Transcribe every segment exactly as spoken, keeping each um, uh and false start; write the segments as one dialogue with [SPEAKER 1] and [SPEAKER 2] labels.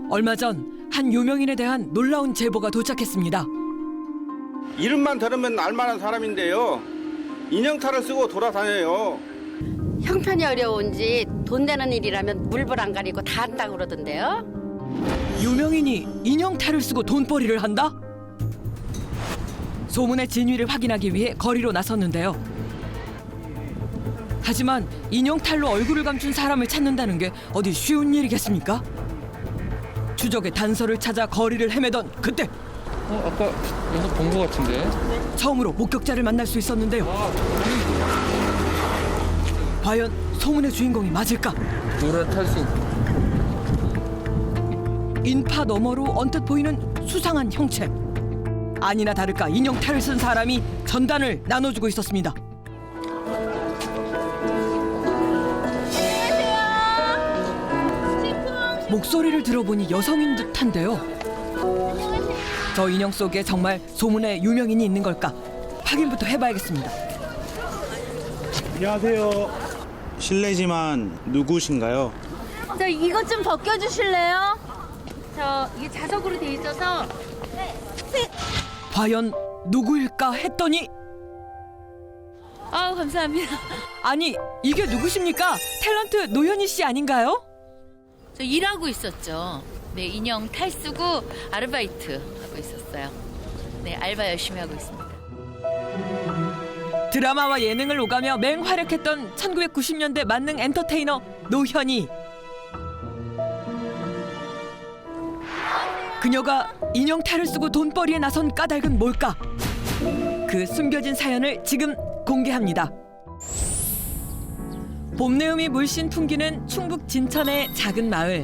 [SPEAKER 1] 얼마 전 한 유명인에 대한 놀라운 제보가 도착했습니다.
[SPEAKER 2] 이름만 들으면 알만한 사람인데요. 인형탈을 쓰고 돌아다녀요.
[SPEAKER 3] 형편이 어려운지 돈 되는 일이라면 물불 안 가리고 다 한다고 그러던데요.
[SPEAKER 1] 유명인이 인형탈을 쓰고 돈벌이를 한다? 소문의 진위를 확인하기 위해 거리로 나섰는데요. 하지만 인형탈로 얼굴을 감춘 사람을 찾는다는 게 어디 쉬운 일이겠습니까? 추적의 단서를 찾아 거리를 헤매던 그때
[SPEAKER 4] 어, 아까 여기서 본 것 같은데?
[SPEAKER 1] 처음으로 목격자를 만날 수 있었는데요. 과연 소문의 주인공이 맞을까?
[SPEAKER 4] 노란 탈수.
[SPEAKER 1] 인파 너머로 언뜻 보이는 수상한 형체. 아니나 다를까 인형탈을 쓴 사람이 전단을 나눠주고 있었습니다. 목소리를 들어보니 여성인 듯한데요. 저 인형 속에 정말 소문의 유명인이 있는 걸까? 확인부터 해봐야겠습니다.
[SPEAKER 5] 안녕하세요. 실례지만 누구신가요?
[SPEAKER 6] 저 이것 좀 벗겨주실래요? 저 이게 자석으로 돼 있어서.
[SPEAKER 1] 과연 누구일까 했더니
[SPEAKER 6] 아우 감사합니다.
[SPEAKER 1] 아니 이게 누구십니까? 탤런트 노현희 씨 아닌가요?
[SPEAKER 6] 저 일하고 있었죠. 네, 인형 탈 쓰고 아르바이트 하고 있었어요. 네, 알바 열심히 하고 있습니다.
[SPEAKER 1] 드라마와 예능을 오가며 맹활약했던 천구백구십 년대 만능 엔터테이너 노현희. 그녀가 인형탈을 쓰고 돈벌이에 나선 까닭은 뭘까? 그 숨겨진 사연을 지금 공개합니다. 봄내음이 물씬 풍기는 충북 진천의 작은 마을.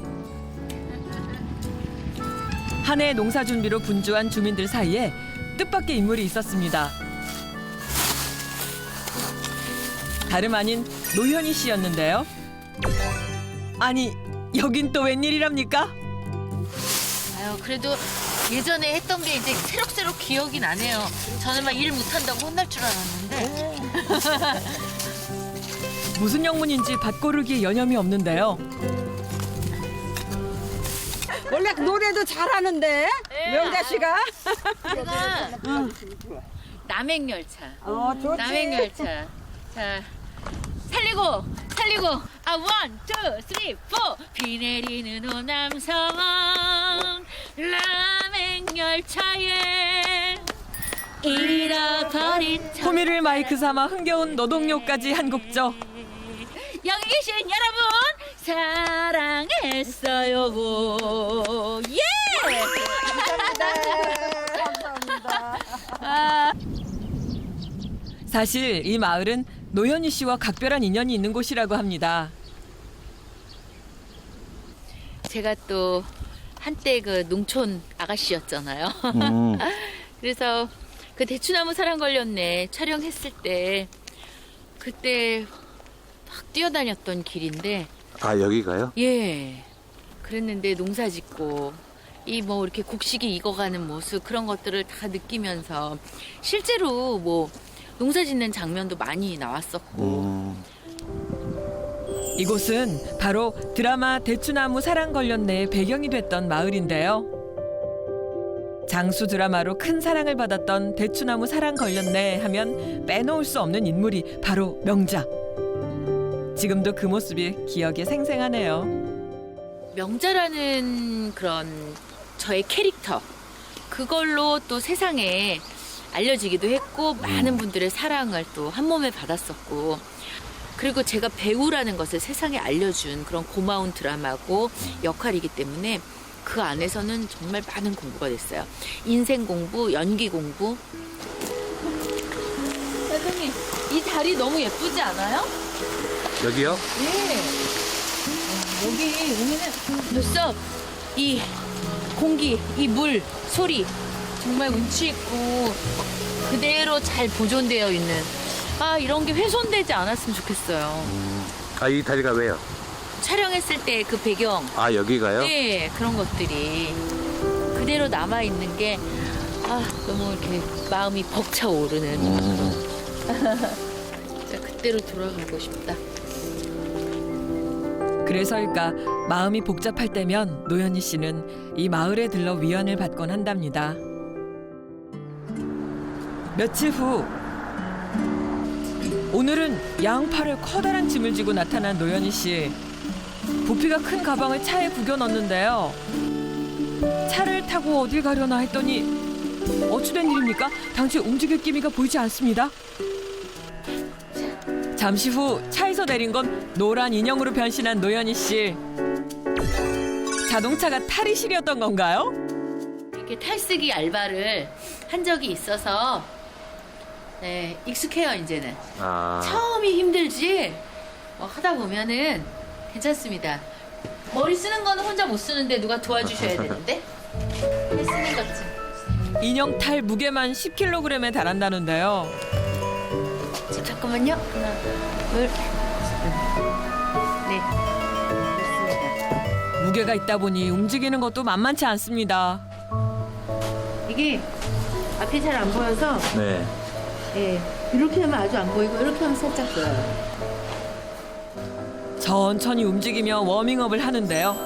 [SPEAKER 1] 한 해 농사 준비로 분주한 주민들 사이에 뜻밖의 인물이 있었습니다. 다름 아닌 노현희 씨였는데요. 아니, 여긴 또 웬일이랍니까?
[SPEAKER 6] 아유, 그래도 예전에 했던 게 이제 새록새록 기억이 나네요. 저는 막 일 못한다고 혼날 줄 알았는데.
[SPEAKER 1] 무슨 영문인지 밭고르기에 여념이 없는데요.
[SPEAKER 7] 원래 노래도 잘하는데 명자 씨가.
[SPEAKER 6] 제가 남행열차.
[SPEAKER 7] 어 좋지.
[SPEAKER 6] 남행열차. 자, 살리고 살리고. 아, 원, 투, 쓰리, 포. 비 내리는 호남서원 남행열차에 잃어버린
[SPEAKER 1] 호미를 마이크 삼아 흥겨운 노동요까지 한 곡죠.
[SPEAKER 6] 여기 계신 여러분 사랑했어요. 예!
[SPEAKER 7] 감사합니다.
[SPEAKER 6] 아,
[SPEAKER 1] 사실 이 마을은 노현희 씨와 각별한 인연이 있는 곳이라고 합니다.
[SPEAKER 6] 제가 또 한때 그 농촌 아가씨였잖아요.
[SPEAKER 5] 음.
[SPEAKER 6] 그래서 그 대추나무 사랑 걸렸네 촬영했을 때 그때 막 뛰어다녔던 길인데
[SPEAKER 5] 아 여기가요?
[SPEAKER 6] 예 그랬는데 농사 짓고 이 뭐 이렇게 곡식이 익어가는 모습 그런 것들을 다 느끼면서 실제로 뭐 농사 짓는 장면도 많이 나왔었고
[SPEAKER 5] 음.
[SPEAKER 1] 이곳은 바로 드라마 대추나무 사랑 걸렸네의 배경이 됐던 마을인데요. 장수 드라마로 큰 사랑을 받았던 대추나무 사랑 걸렸네 하면 빼놓을 수 없는 인물이 바로 명자. 지금도 그 모습이 기억에 생생하네요.
[SPEAKER 6] 명자라는 그런 저의 캐릭터 그걸로 또 세상에 알려지기도 했고 많은 분들의 사랑을 또 한 몸에 받았었고 그리고 제가 배우라는 것을 세상에 알려준 그런 고마운 드라마고 역할이기 때문에 그 안에서는 정말 많은 공부가 됐어요. 인생 공부, 연기 공부. 선생님, 이 다리 너무 예쁘지 않아요?
[SPEAKER 5] 여기요?
[SPEAKER 6] 네. 여기 오면은 벌써 이 공기, 이 물, 소리 정말 운치 있고 그대로 잘 보존되어 있는 아 이런 게 훼손되지 않았으면 좋겠어요.
[SPEAKER 5] 아 이 다리가 왜요?
[SPEAKER 6] 촬영했을 때 그 배경
[SPEAKER 5] 아 여기가요?
[SPEAKER 6] 네 그런 것들이 그대로 남아 있는 게 아 너무 이렇게 마음이 벅차오르는
[SPEAKER 5] 음.
[SPEAKER 6] 진짜 그때로 돌아가고 싶다.
[SPEAKER 1] 그래서일까 마음이 복잡할 때면 노현희 씨는 이 마을에 들러 위안을 받곤 한답니다. 며칠 후 오늘은 양팔에 커다란 짐을 지고 나타난 노현희 씨. 부피가 큰 가방을 차에 구겨 넣는데요. 차를 타고 어딜 가려나 했더니 어찌된 일입니까? 당최 움직일 기미가 보이지 않습니다. 잠시 후 차에서 내린 건 노란 인형으로 변신한 노현희 씨. 자동차가 탈의실이었던 건가요?
[SPEAKER 6] 이렇게 탈쓰기 알바를 한 적이 있어서 네, 익숙해요, 이제는.
[SPEAKER 5] 아,
[SPEAKER 6] 처음이 힘들지 어, 하다 보면은 괜찮습니다. 머리 쓰는 거는 혼자 못 쓰는데 누가 도와주셔야 되는데 해 쓰는 거지.
[SPEAKER 1] 인형 탈 무게만 십 킬로그램에 달한다는데요.
[SPEAKER 6] 자, 잠깐만요. 하나, 둘, 네. 됐습니다.
[SPEAKER 1] 무게가 있다 보니 움직이는 것도 만만치 않습니다.
[SPEAKER 6] 이게 앞이 잘 안 보여서
[SPEAKER 5] 네.
[SPEAKER 6] 예, 이렇게 하면 아주 안 보이고 이렇게 하면 살짝 보여요.
[SPEAKER 1] 천천히 움직이며 워밍업을 하는데요.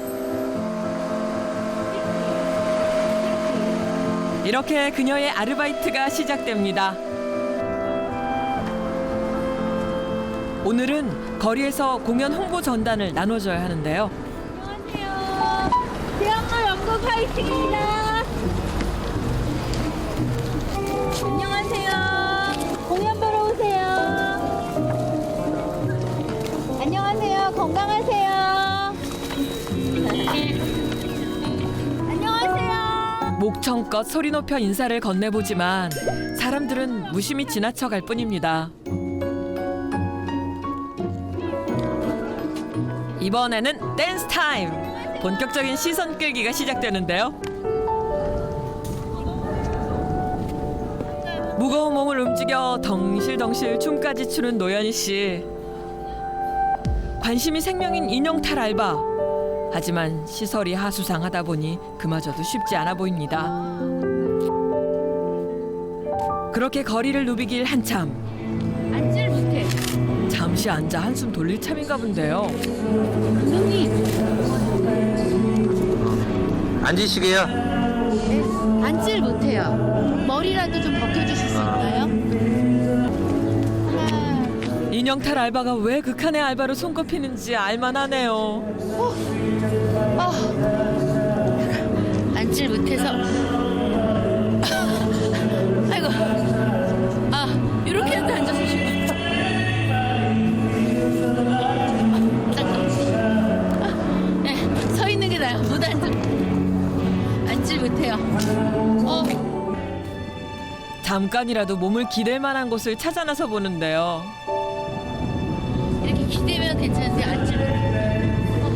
[SPEAKER 1] 이렇게 그녀의 아르바이트가 시작됩니다. 오늘은 거리에서 공연 홍보 전단을 나눠줘야 하는데요.
[SPEAKER 6] 안녕하세요. 대학로 연극 파이팅입니다. 안녕하세요. 공연 보러 오세요. 안녕하세요. 건강하세요. 안녕하세요.
[SPEAKER 1] 목청껏 소리 높여 인사를 건네보지만 사람들은 무심히 지나쳐갈 뿐입니다. 이번에는 댄스 타임! 본격적인 시선 끌기가 시작되는데요. 무거운 몸을 움직여 덩실덩실 춤까지 추는 노현희 씨. 관심이 생명인 인형 탈 알바. 하지만 시설이 하수상하다 보니 그마저도 쉽지 않아 보입니다. 그렇게 거리를 누비길 한참.
[SPEAKER 6] 앉질 못해.
[SPEAKER 1] 잠시 앉아 한숨 돌릴 참인가 본데요.
[SPEAKER 6] 감독님,
[SPEAKER 5] 앉으시게요?
[SPEAKER 6] 네, 앉질 못해요. 머리라도 좀 벗겨주실 수 있나요? 하나,
[SPEAKER 1] 인형 탈 알바가 왜 극한의 알바로 손꼽히는지 알만하네요.
[SPEAKER 6] 어, 앉질 못해서. 아이고, 아, 이렇게라도 앉아서 쉬고. 네, 서 있는 게 나아요. 못 앉아. 앉질 못해요. 어,
[SPEAKER 1] 잠깐이라도 몸을 기댈 만한 곳을 찾아 나서 보는데요.
[SPEAKER 6] 이렇게 기대면 괜찮은데 앉질 못해요.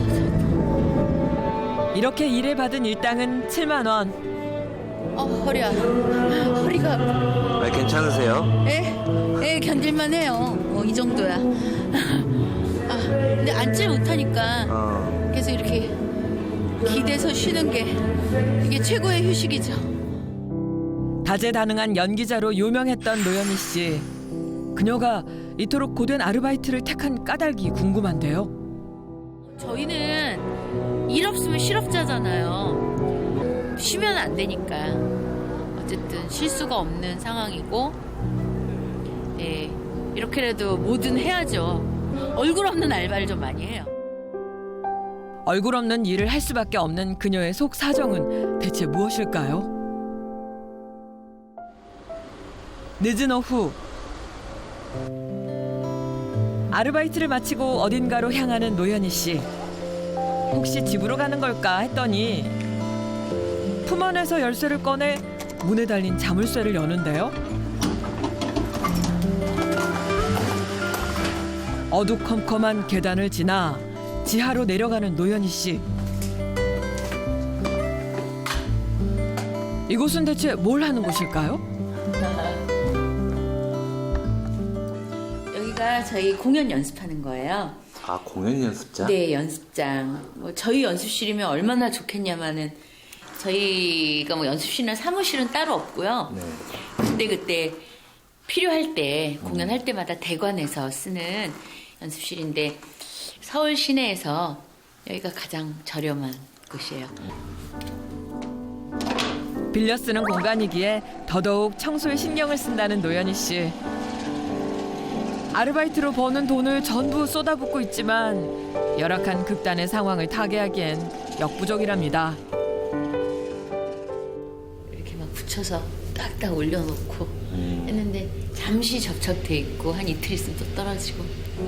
[SPEAKER 6] 어,
[SPEAKER 1] 이렇게 일에 받은 일당은 칠만 원.
[SPEAKER 6] 어, 허리야. 허리가.
[SPEAKER 5] 아, 괜찮으세요?
[SPEAKER 6] 에? 에, 견딜만 해요. 어, 이 정도야. 아, 근데 앉질 못하니까
[SPEAKER 5] 어.
[SPEAKER 6] 계속 이렇게 기대서 쉬는 게 이게 최고의 휴식이죠.
[SPEAKER 1] 다재다능한 연기자로 유명했던 노현희 씨. 그녀가 이토록 고된 아르바이트를 택한 까닭이 궁금한데요.
[SPEAKER 6] 저희는 일 없으면 실업자잖아요. 쉬면 안 되니까. 어쨌든 쉴 수가 없는 상황이고, 예, 이렇게라도 뭐든 해야죠. 얼굴 없는 알바를 좀 많이 해요.
[SPEAKER 1] 얼굴 없는 일을 할 수밖에 없는 그녀의 속 사정은 대체 무엇일까요? 늦은 오후 아르바이트를 마치고 어딘가로 향하는 노현희 씨. 혹시 집으로 가는 걸까 했더니 품 안에서 열쇠를 꺼내 문에 달린 자물쇠를 여는데요. 어두컴컴한 계단을 지나 지하로 내려가는 노현희 씨. 이곳은 대체 뭘 하는 곳일까요?
[SPEAKER 6] 여기가 저희 공연 연습하는 거예요.
[SPEAKER 5] 아, 공연 연습장?
[SPEAKER 6] 네, 연습장. 뭐 저희 연습실이면 얼마나 좋겠냐마는 저희가 뭐 연습실이나 사무실은 따로 없고요.
[SPEAKER 5] 네.
[SPEAKER 6] 그때 그때 필요할 때 공연할 때마다 대관해서 쓰는 연습실인데 서울 시내에서 여기가 가장 저렴한 곳이에요.
[SPEAKER 1] 빌려 쓰는 공간이기에 더더욱 청소에 신경을 쓴다는 노현희 씨. 아르바이트로 버는 돈을 전부 쏟아붓고 있지만 열악한 극단의 상황을 타개하기엔 역부족이랍니다.
[SPEAKER 6] 이렇게 막 붙여서 딱딱 올려놓고 했는데 잠시 접착돼 있고 한 이틀 있으면 또 떨어지고.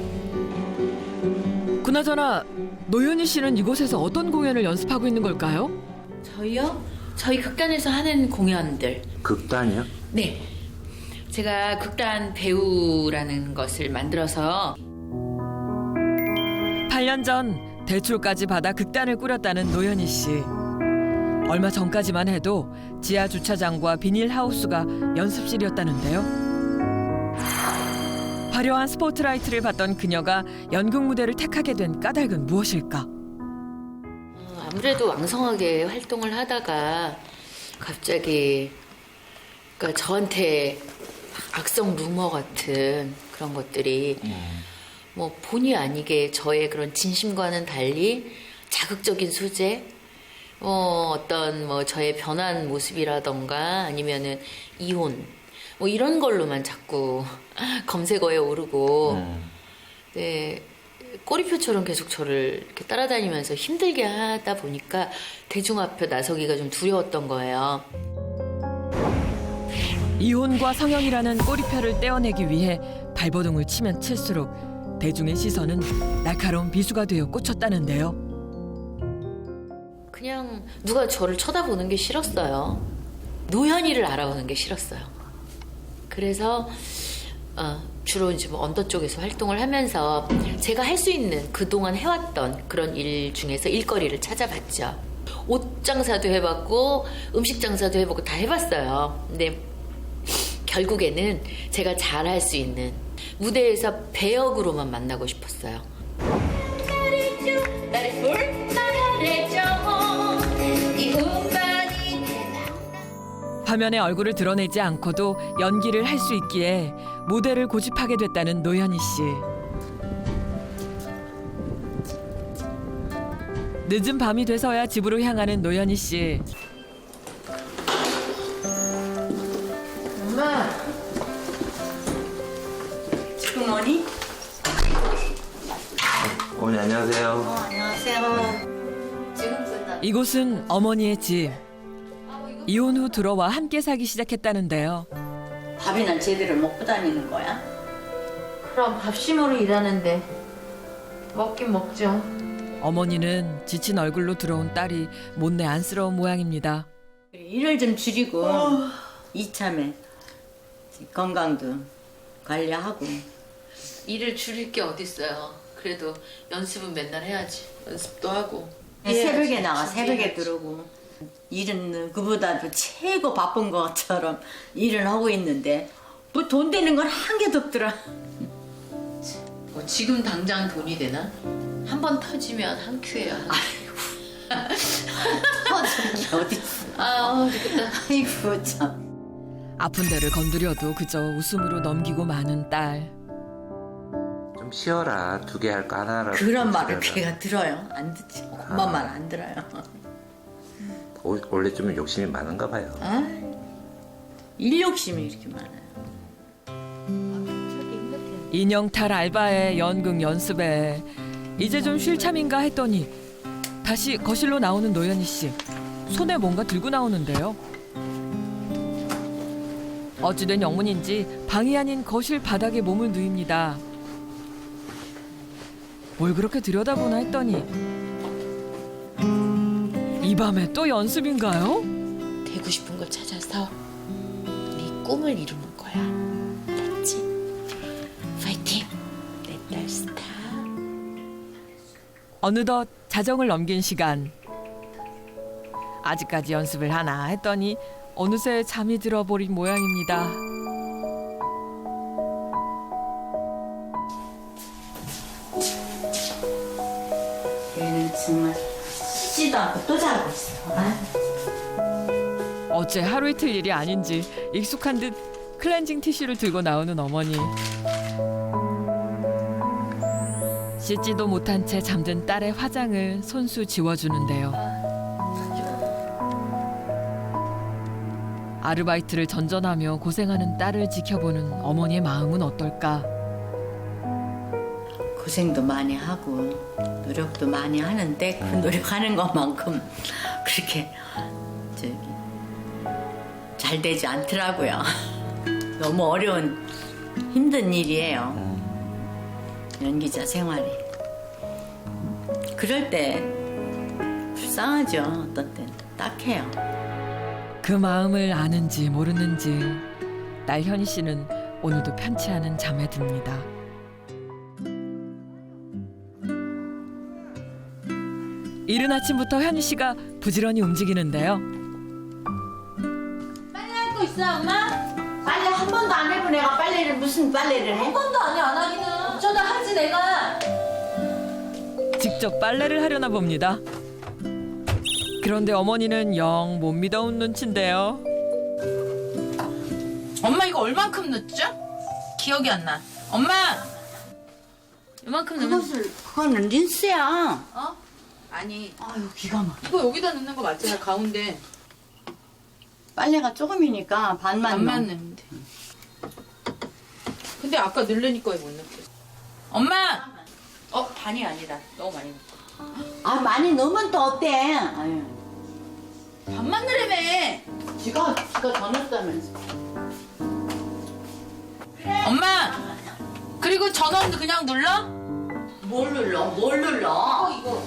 [SPEAKER 1] 그나저나 노현희 씨는 이곳에서 어떤 공연을 연습하고 있는 걸까요?
[SPEAKER 6] 저희요? 저희 극단에서 하는 공연들.
[SPEAKER 5] 극단이요?
[SPEAKER 6] 네. 제가 극단 배우라는 것을 만들어서
[SPEAKER 1] 팔 년 전 대출까지 받아 극단을 꾸렸다는 노현희 씨. 얼마 전까지만 해도 지하 주차장과 비닐하우스가 연습실이었다는데요. 화려한 스포트라이트를 받던 그녀가 연극 무대를 택하게 된 까닭은 무엇일까?
[SPEAKER 6] 어, 아무래도 왕성하게 활동을 하다가 갑자기 그러니까 저한테 악성 루머 같은 그런 것들이 뭐 본의 아니게 저의 그런 진심과는 달리 자극적인 소재, 어, 어떤 뭐 저의 변한 모습이라던가 아니면은 이혼 뭐 이런 걸로만 자꾸 검색어에 오르고
[SPEAKER 5] 음.
[SPEAKER 6] 네, 꼬리표처럼 계속 저를 이렇게 따라다니면서 힘들게 하다 보니까 대중 앞에 나서기가 좀 두려웠던 거예요.
[SPEAKER 1] 이혼과 성형이라는 꼬리표를 떼어내기 위해 발버둥을 치면 칠수록 대중의 시선은 날카로운 비수가 되어 꽂혔다는데요.
[SPEAKER 6] 그냥 누가 저를 쳐다보는 게 싫었어요. 노현이를 알아보는 게 싫었어요. 그래서 어, 주로 이제 뭐 언더 쪽에서 활동을 하면서 제가 할 수 있는 그동안 해왔던 그런 일 중에서 일거리를 찾아봤죠. 옷 장사도 해봤고 음식 장사도 해보고 다 해봤어요. 근데 결국에는 제가 잘할 수 있는 무대에서 배역으로만 만나고 싶었어요.
[SPEAKER 1] 화면에 얼굴을 드러내지 않고도 연기를 할 수 있기에 모델을 고집하게 됐다는 노현희 씨. 늦은 밤이 돼서야 집으로 향하는 노현희 씨.
[SPEAKER 7] 엄마. 지금 뭐니?
[SPEAKER 5] 어머니 안녕하세요.
[SPEAKER 7] 안녕하세요.
[SPEAKER 6] 지금 끝나.
[SPEAKER 1] 이곳은 어머니의 집. 이혼 후 들어와 함께 살기 시작했다는데요.
[SPEAKER 7] 밥이나 제대로 먹고 다니는 거야?
[SPEAKER 6] 그럼 밥심으로 일하는데 먹긴 먹죠.
[SPEAKER 1] 어머니는 지친 얼굴로 들어온 딸이 못내 안쓰러운 모양입니다.
[SPEAKER 7] 일을 좀 줄이고 이참에 건강도 관리하고.
[SPEAKER 6] 일을 줄일 게 어딨어요. 그래도 연습은 맨날 해야지. 연습도 하고.
[SPEAKER 7] 새벽에 나가 새벽에 들어오고. 일은 그보다도 최고 바쁜 것처럼 일을 하고 있는데 뭐 돈 되는 건 한 개도 없더라.
[SPEAKER 6] 뭐 지금 당장 돈이 되나? 한 번 터지면 한 큐예요.
[SPEAKER 7] 터지는 게 어딨어.
[SPEAKER 6] 아, 좋겠다.
[SPEAKER 7] 아이고 참.
[SPEAKER 1] 아픈 데를 건드려도 그저 웃음으로 넘기고 마는 딸.
[SPEAKER 5] 좀 쉬어라. 두 개 할 거 하나라도.
[SPEAKER 7] 그런 말을
[SPEAKER 5] 쉬어라.
[SPEAKER 7] 걔가 들어요? 안 듣지. 엄마 말 안 들어요.
[SPEAKER 5] 오- 원래 좀 욕심이 많은가 봐요.
[SPEAKER 7] 아, 일 욕심이 이렇게 많아요.
[SPEAKER 1] 인형탈 알바에 연극 연습에 이제 좀 쉴 참인가 했더니 다시 거실로 나오는 노현희 씨. 손에 뭔가 들고 나오는데요. 어찌된 영문인지 방이 아닌 거실 바닥에 몸을 누입니다. 뭘 그렇게 들여다보나 했더니 이 밤에 또 연습인가요?
[SPEAKER 6] 되고 싶은 걸 찾아서 네 꿈을 이루는 거야. 됐지? 파이팅! 내 딸 스타.
[SPEAKER 1] 어느덧 자정을 넘긴 시간. 아직까지 연습을 하나 했더니 어느새 잠이 들어버린 모양입니다.
[SPEAKER 7] 얘는 정말 쉬지도 않고 또 자고 있어. 아.
[SPEAKER 1] 어째 하루 이틀 일이 아닌지 익숙한 듯 클렌징 티슈를 들고 나오는 어머니. 씻지도 못한 채 잠든 딸의 화장을 손수 지워주는데요. 아르바이트를 전전하며 고생하는 딸을 지켜보는 어머니의 마음은 어떨까?
[SPEAKER 7] 고생도 많이 하고 노력도 많이 하는데 그 노력하는 것만큼 그렇게 저기 잘 되지 않더라고요. 너무 어려운 힘든 일이에요. 연기자 생활이. 그럴 때 불쌍하죠. 어떤 때는 딱해요.
[SPEAKER 1] 그 마음을 아는지 모르는지 딸 현희 씨는 오늘도 편치 않은 잠에 듭니다. 이른 아침부터 현희 씨가 부지런히 움직이는데요.
[SPEAKER 7] 빨래 할 거 있어 엄마? 빨래 한 번도 안 해본 애가 빨래를 무슨 빨래를 해?
[SPEAKER 6] 한 번도 안 해, 안 하기는. 어쩌다 하지, 내가.
[SPEAKER 1] 직접 빨래를 하려나 봅니다. 그런데 어머니는 영 못 믿어온 눈치인데요.
[SPEAKER 8] 엄마 이거 얼만큼 넣었죠? 기억이 안 나. 엄마!
[SPEAKER 6] 이만큼 넣으면.
[SPEAKER 7] 그것을 그거는 린스야.
[SPEAKER 8] 어? 아니
[SPEAKER 7] 아유 기가 막.
[SPEAKER 8] 이거 여기다 넣는 거 맞잖아 가운데.
[SPEAKER 7] 빨래가 조금이니까 반만
[SPEAKER 8] 반만
[SPEAKER 7] 넣어.
[SPEAKER 8] 넣으면 돼. 근데 아까 넣으려니까 못 넣겠어. 엄마! 어 반이 아니다. 너무 많이 넣었어.
[SPEAKER 7] 아 많이 넣으면 또 어때? 아유.
[SPEAKER 8] 반만 넣으라며.
[SPEAKER 7] 지가 지가 더 넣었다면서.
[SPEAKER 8] 엄마! 그리고 전원도 그냥 눌러?
[SPEAKER 7] 뭘 눌러? 뭘 눌러?
[SPEAKER 8] 이거.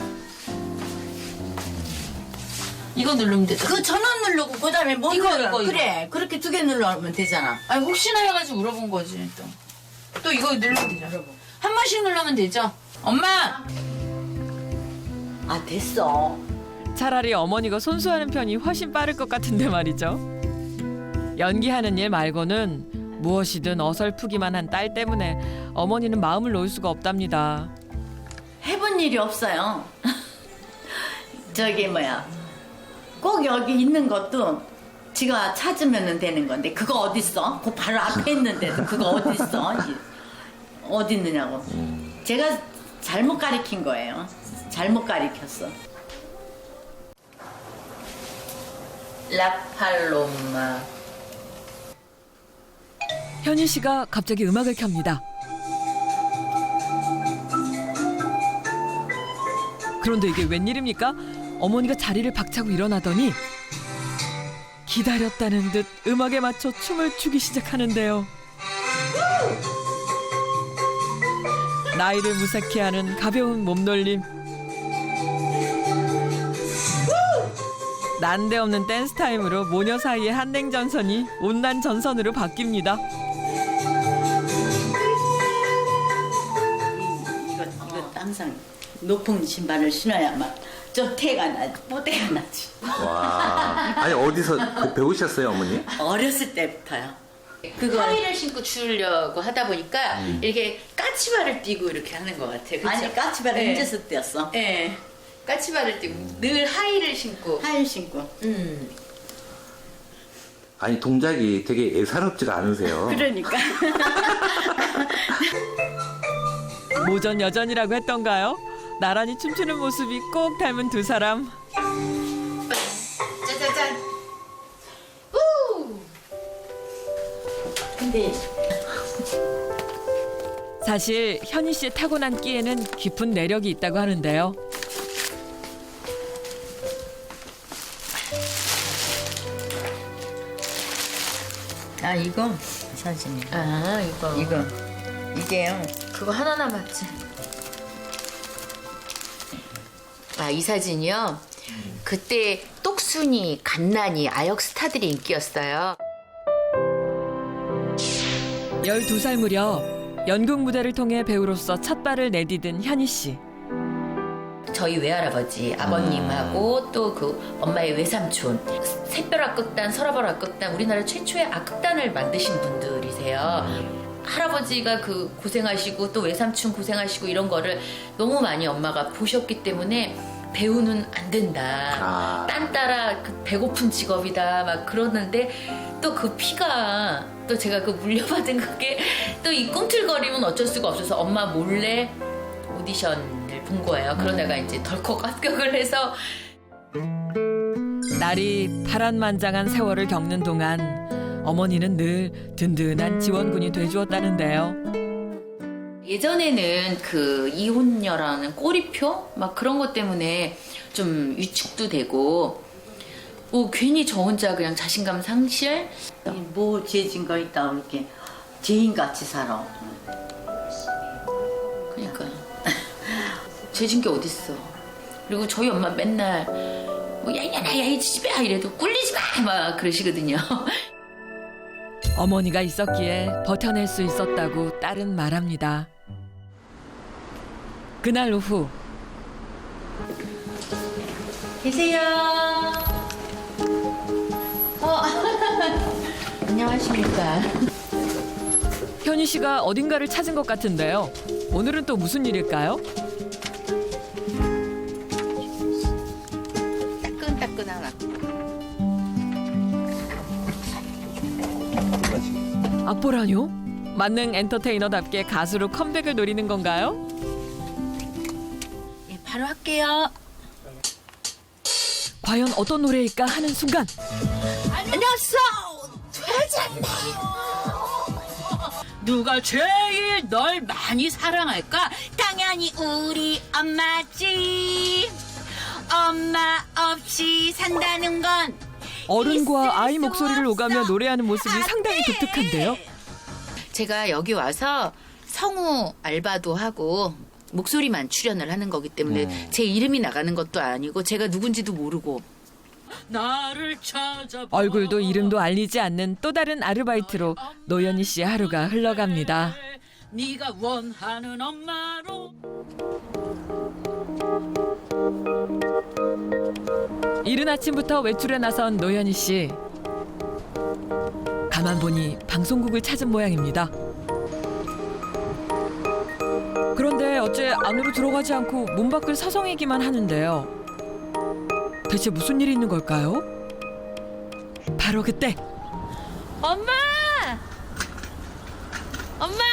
[SPEAKER 8] 이거 누르면 되죠.
[SPEAKER 7] 그 전원 누르고 그다음에 뭐
[SPEAKER 8] 이거,
[SPEAKER 7] 눌러?
[SPEAKER 8] 이거, 이거.
[SPEAKER 7] 그래 그렇게 두 개 눌러면 되잖아.
[SPEAKER 8] 아니 혹시나 해가지고 물어본 거지 또. 또 이거 누르면 되죠. 한 번씩 누르면 되죠. 엄마!
[SPEAKER 7] 아 됐어.
[SPEAKER 1] 차라리 어머니가 손수하는 편이 훨씬 빠를 것 같은데 말이죠. 연기하는 일 말고는 무엇이든 어설프기만 한 딸 때문에 어머니는 마음을 놓을 수가 없답니다.
[SPEAKER 7] 해본 일이 없어요. 저기 뭐야 꼭 여기 있는 것도 지가 찾으면 되는 건데 그거 어딨어? 그 바로 앞에 있는데도 그거 어딨어? 어디 있느냐고. 제가 잘못 가리킨 거예요. 잘못 가리켰어. 라팔로마.
[SPEAKER 1] 현희 씨가 갑자기 음악을 켭니다. 그런데 이게 웬일입니까? 어머니가 자리를 박차고 일어나더니 기다렸다는 듯 음악에 맞춰 춤을 추기 시작하는데요. 나이를 무색해 하는 가벼운 몸놀림. 난데없는 댄스 타임으로 모녀 사이의 한냉전선이 온난 전선으로 바뀝니다.
[SPEAKER 7] 이거 이거 항상 높은 신발을 신어야만 좀 태가 나지. 뽀대가 나지.
[SPEAKER 5] 와. 아니 어디서 그 배우셨어요 어머니?
[SPEAKER 7] 어렸을 때부터요. 그거
[SPEAKER 6] 하의를 신고 추려고 하다 보니까 이렇게 까치발을 띄고 이렇게 하는 것 같아요. 그쵸?
[SPEAKER 7] 아니 까치발을
[SPEAKER 6] 네.
[SPEAKER 7] 혼자서 떼었어.
[SPEAKER 6] 네. 까치발을 띄고 늘 하의를 신고.
[SPEAKER 7] 하일 신고.
[SPEAKER 6] 음.
[SPEAKER 5] 아니 동작이 되게 예사롭지가 않으세요.
[SPEAKER 7] 그러니까.
[SPEAKER 1] 모전 여전이라고 했던가요? 나란히 춤추는 모습이 꼭 닮은 두 사람.
[SPEAKER 6] 짜자잔. 우!
[SPEAKER 7] 근데
[SPEAKER 1] 사실 현희 씨의 타고난 끼에는 깊은 내력이 있다고 하는데요.
[SPEAKER 7] 아 이거 사진이.
[SPEAKER 6] 아, 이거.
[SPEAKER 7] 이거 이게요.
[SPEAKER 6] 그거 하나 남았지. 아, 이 사진이요? 그때 똑순이, 갓난이, 아역 스타들이 인기였어요.
[SPEAKER 1] 열두 살 무렵 연극 무대를 통해 배우로서 첫 발을 내디딘 현희 씨.
[SPEAKER 6] 저희 외할아버지, 아버님하고 또 그 엄마의 외삼촌, 샛별악극단, 서라벌악극단, 우리나라 최초의 악극단을 만드신 분들이세요. 할아버지가 그 고생하시고 또 외삼촌 고생하시고 이런 거를 너무 많이 엄마가 보셨기 때문에 배우는 안 된다.
[SPEAKER 5] 아.
[SPEAKER 6] 딴 따라 그 배고픈 직업이다 막 그러는데 또 그 피가 또 제가 그 물려받은 그게 또 이 꿈틀거림은 어쩔 수가 없어서 엄마 몰래 오디션을 본 거예요. 그러다가 이제 덜컥 합격을 해서
[SPEAKER 1] 딸이 파란만장한 세월을 겪는 동안 어머니는 늘 든든한 지원군이 돼주었다는데요.
[SPEAKER 6] 예전에는 그 이혼녀라는 꼬리표 막 그런 것 때문에 좀 위축도 되고 뭐 괜히 저 혼자 그냥 자신감 상실.
[SPEAKER 7] 뭐 죄진 거 있다 이렇게 죄인같이 살아.
[SPEAKER 6] 그러니까 죄진 게 어딨어. 그리고 저희 엄마 맨날 뭐 야이년아 야이 집야 이래도 꿀리지 마 막 그러시거든요.
[SPEAKER 1] 어머니가 있었기에 버텨낼 수 있었다고 딸은 말합니다. 그날 오후
[SPEAKER 6] 계세요. 어. 안녕하십니까.
[SPEAKER 1] 현희 씨가 어딘가를 찾은 것 같은데요. 오늘은 또 무슨 일일까요?
[SPEAKER 6] 따끈따끈하나.
[SPEAKER 1] 악보라뇨? 만능 엔터테이너답게 가수로 컴백을 노리는 건가요?
[SPEAKER 6] 예, 바로 할게요.
[SPEAKER 1] 과연 어떤 노래일까 하는 순간
[SPEAKER 6] 안녕하세요. 되잖네. 누가 제일 널 많이 사랑할까? 당연히 우리 엄마지. 엄마 없이 산다는 건
[SPEAKER 1] 어른과 아이 목소리를 오가며 노래하는 모습이 상당히 독특한데요.
[SPEAKER 6] 제가 여기 와서 성우 알바도 하고 목소리만 출연을 하는 거기 때문에
[SPEAKER 5] 음.
[SPEAKER 6] 제 이름이 나가는 것도 아니고 제가 누군지도 모르고 나를 찾아
[SPEAKER 1] 얼굴도 이름도 알리지 않는 또 다른 아르바이트로 노현희 씨의 하루가 흘러갑니다.
[SPEAKER 6] 네가 원하는 엄마로.
[SPEAKER 1] 이른 아침부터 외출에 나선 노현희 씨. 가만 보니 방송국을 찾은 모양입니다. 그런데 어째 안으로 들어가지 않고 문 밖을 서성이기만 하는데요. 대체 무슨 일이 있는 걸까요? 바로 그때
[SPEAKER 6] 엄마! 엄마!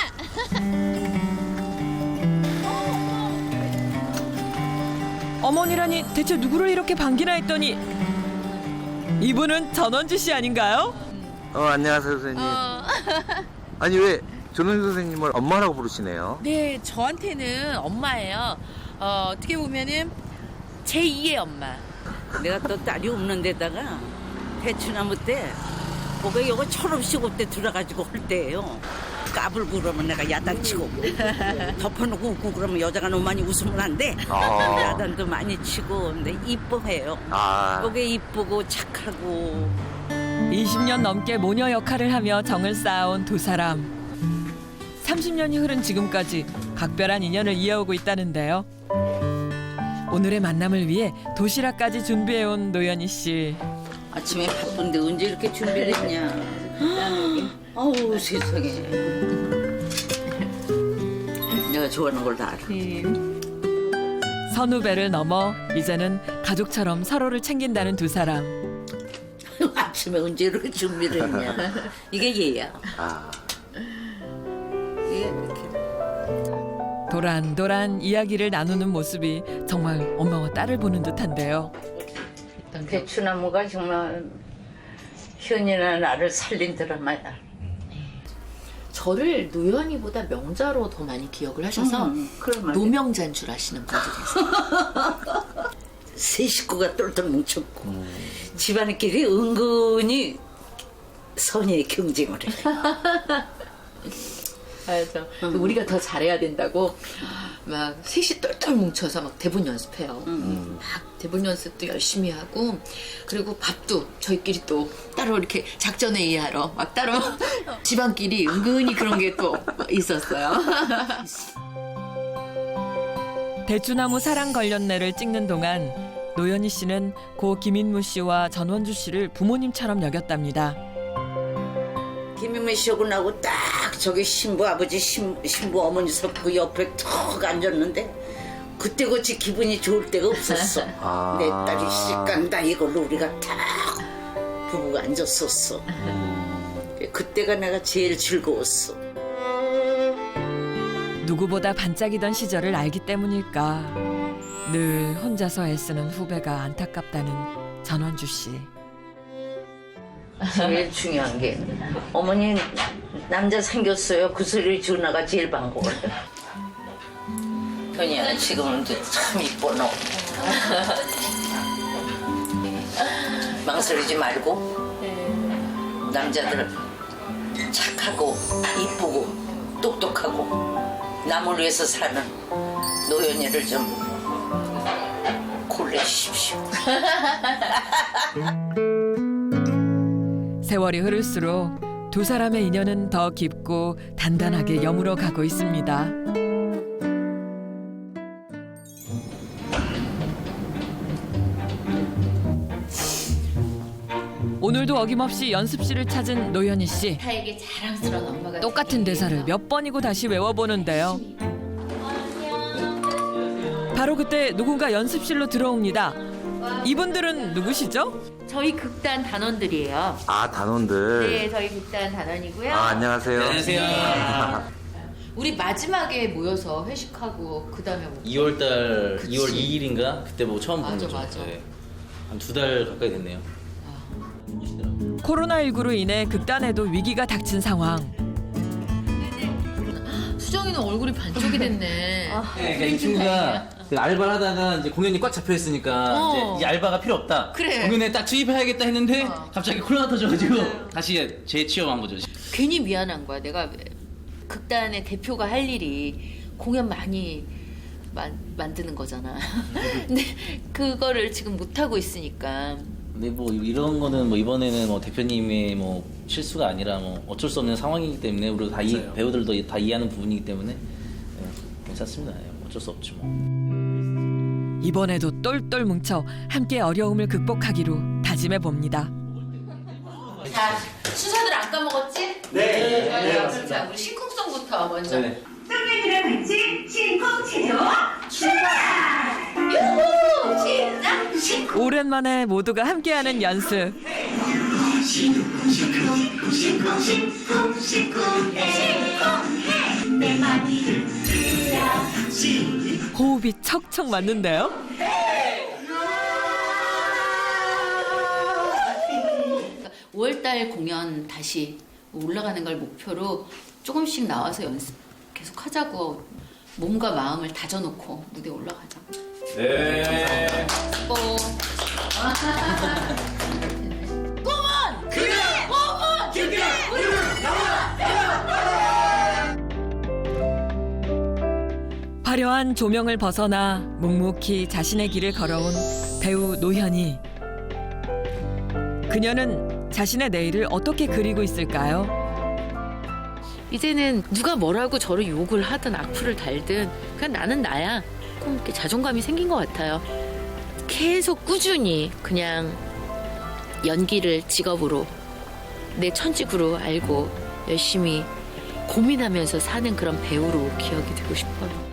[SPEAKER 1] 어머니라니 대체 누구를 이렇게 반기나 했더니 이분은 전원주 씨 아닌가요?
[SPEAKER 5] 어, 안녕하세요, 선생님.
[SPEAKER 6] 어.
[SPEAKER 5] 아니, 왜 전원주 선생님을 엄마라고 부르시네요?
[SPEAKER 6] 네, 저한테는 엄마예요. 어, 어떻게 보면은 제이의 엄마.
[SPEAKER 9] 내가 또 딸이 없는 데다가 대추나무 때 고개 요거 철없이 그때 들어가지고 할 때예요. 까불고 그러면 내가 야단치고 덮어놓고 웃고 그러면 여자가 너무 많이 웃으면 안 돼.
[SPEAKER 5] 아.
[SPEAKER 9] 야단도 많이 치고 근데 이뻐해요.
[SPEAKER 5] 아.
[SPEAKER 9] 고개 이쁘고 착하고.
[SPEAKER 1] 이십 년 넘게 모녀 역할을 하며 정을 쌓아온 두 사람. 삼십 년이 흐른 지금까지 각별한 인연을 이어오고 있다는데요. 오늘의 만남을 위해 도시락까지 준비해온 노현희 씨.
[SPEAKER 9] 아침에 바쁜데 언제 이렇게 준비를 했냐. 아우 세상에. 내가 좋아하는 걸 다 알아.
[SPEAKER 1] 선후배를 넘어 이제는 가족처럼 서로를 챙긴다는 두 사람.
[SPEAKER 9] 아침에 언제 이렇게 준비를 했냐. 이게 얘야.
[SPEAKER 5] 아.
[SPEAKER 9] 이게 이렇게.
[SPEAKER 1] 도란도란 이야기를 나누는 모습이 정말 엄마와 딸을 보는 듯한데요.
[SPEAKER 9] 대추나무가 정말 현이나 나를 살린 드라마야.
[SPEAKER 6] 저를 노현이보다 명자로 더 많이 기억을 하셔서
[SPEAKER 9] 음, 그런 말이야.
[SPEAKER 6] 노명자인 줄 아시는 분들이 있어요.
[SPEAKER 9] 세 식구가 똘똘 뭉쳤고 집안끼리 은근히 선의의 경쟁을 해.
[SPEAKER 6] 그래서 우리가 더 잘해야 된다고 막 셋이 똘똘 뭉쳐서 막 대본 연습해요. 막 대본 연습도 열심히 하고 그리고 밥도 저희끼리 또 따로 이렇게 작전 회의하러 막 따로 집안끼리 은근히 그런 게 또 있었어요.
[SPEAKER 1] 대추나무 사랑 걸렸네를 찍는 동안 노현희 씨는 고 김인무 씨와 전원주 씨를 부모님처럼 여겼답니다.
[SPEAKER 9] 김인미 씨하고 나고 딱 저기 신부 아버지 신, 신부 어머니 섰고 옆에 턱 앉았는데 그때 그치 기분이 좋을 때가 없었어.
[SPEAKER 5] 아.
[SPEAKER 9] 내 딸이 시집간다 이걸로 우리가 딱 부부가 앉았었어. 그때가 내가 제일 즐거웠어.
[SPEAKER 1] 누구보다 반짝이던 시절을 알기 때문일까 늘 혼자서 애쓰는 후배가 안타깝다는 전원주 씨.
[SPEAKER 9] 제일 중요한 게 어머니 남자 생겼어요. 그 소리 준아가 제일 반가워요. 현이야 지금은 참 이뻐 너. 망설이지 말고 남자들 착하고 이쁘고 똑똑하고 남을 위해서 사는 노현이를 좀 골라주십시오.
[SPEAKER 1] 세월이 흐를수록 두 사람의 인연은 더 깊고 단단하게 여물어 가고 있습니다. 오늘도 어김없이 연습실을 찾은 노현희 씨.
[SPEAKER 6] 타에게 자랑스러운 엄마가
[SPEAKER 1] 똑같은 대사를 몇 번이고 다시 외워보는데요. 바로 그때 누군가 연습실로 들어옵니다. 이분들은 누구시죠?
[SPEAKER 6] 저희 극단 단원들이에요.
[SPEAKER 5] 아, 단원들.
[SPEAKER 6] 네, 저희 극단 단원이고요.
[SPEAKER 5] 아, 안녕하세요.
[SPEAKER 6] 우리 마지막에 모여서 회식하고 그다음에 뭐
[SPEAKER 10] 이월달
[SPEAKER 6] 그치.
[SPEAKER 10] 이월 이일인가 그때 뭐 처음 본
[SPEAKER 6] 맞아,
[SPEAKER 10] 거죠.
[SPEAKER 6] 맞아.
[SPEAKER 10] 한 두 달 가까이 됐네요.
[SPEAKER 1] 코로나십구로 인해 극단에도 위기가 닥친 상황.
[SPEAKER 6] 수정이는 얼굴이 반쪽이 됐네.
[SPEAKER 10] 네, 그러니까 이 친구가 그 알바를 하다가 이제 공연이 꽉 잡혀 있으니까
[SPEAKER 6] 어.
[SPEAKER 10] 이제 이 알바가 필요 없다.
[SPEAKER 6] 그래.
[SPEAKER 10] 공연에 딱 투입해야겠다 했는데
[SPEAKER 6] 어.
[SPEAKER 10] 갑자기 코로나 터져가지고 다시 재취업한 거죠.
[SPEAKER 6] 괜히 미안한 거야. 내가 극단의 대표가 할 일이 공연 많이 만, 만드는 거잖아. 근데 그거를 지금 못 하고 있으니까.
[SPEAKER 10] 근데 뭐 이런 거는 뭐 이번에는 뭐 대표님의 뭐 실수가 아니라 뭐 어쩔 수 없는 상황이기 때문에 우리 다 이, 배우들도 다 이해하는 부분이기 때문에 네, 괜찮습니다. 네, 어쩔 수 없죠 뭐.
[SPEAKER 1] 이번에도 똘똘 뭉쳐 함께 어려움을 극복하기로 다짐해 봅니다.
[SPEAKER 6] 자, 순서들 안 까먹었지? 네. 네, 맞습니다. 자, 우리 신쿵송부터 먼저.
[SPEAKER 10] 네.
[SPEAKER 11] 썸네들의 벌칙 신쿵 체조 출발!
[SPEAKER 6] 유후! 시작! 신쿵!
[SPEAKER 1] 오랜만에 모두가 함께하는 연습.
[SPEAKER 11] 신쿵 신쿵 신쿵 신쿵 신쿵해 신쿵해 내 맘이 들려지.
[SPEAKER 1] 호흡이 척척 맞는데요.
[SPEAKER 6] 오월달 공연 다시 올라가는 걸 목표로 조금씩 나와서 연습 계속 하자고 몸과 마음을 다져놓고 무대에 올라가자.
[SPEAKER 10] 네.
[SPEAKER 6] 고. 꿈은 그게 꿈은 그게
[SPEAKER 1] 화려한 조명을 벗어나 묵묵히 자신의 길을 걸어온 배우 노현희. 그녀는 자신의 내일을 어떻게 그리고 있을까요?
[SPEAKER 6] 이제는 누가 뭐라고 저를 욕을 하든 악플을 달든 그냥 나는 나야. 조금 이렇게 자존감이 생긴 것 같아요. 계속 꾸준히 그냥 연기를 직업으로 내 천직으로 알고 열심히 고민하면서 사는 그런 배우로 기억이 되고 싶어요.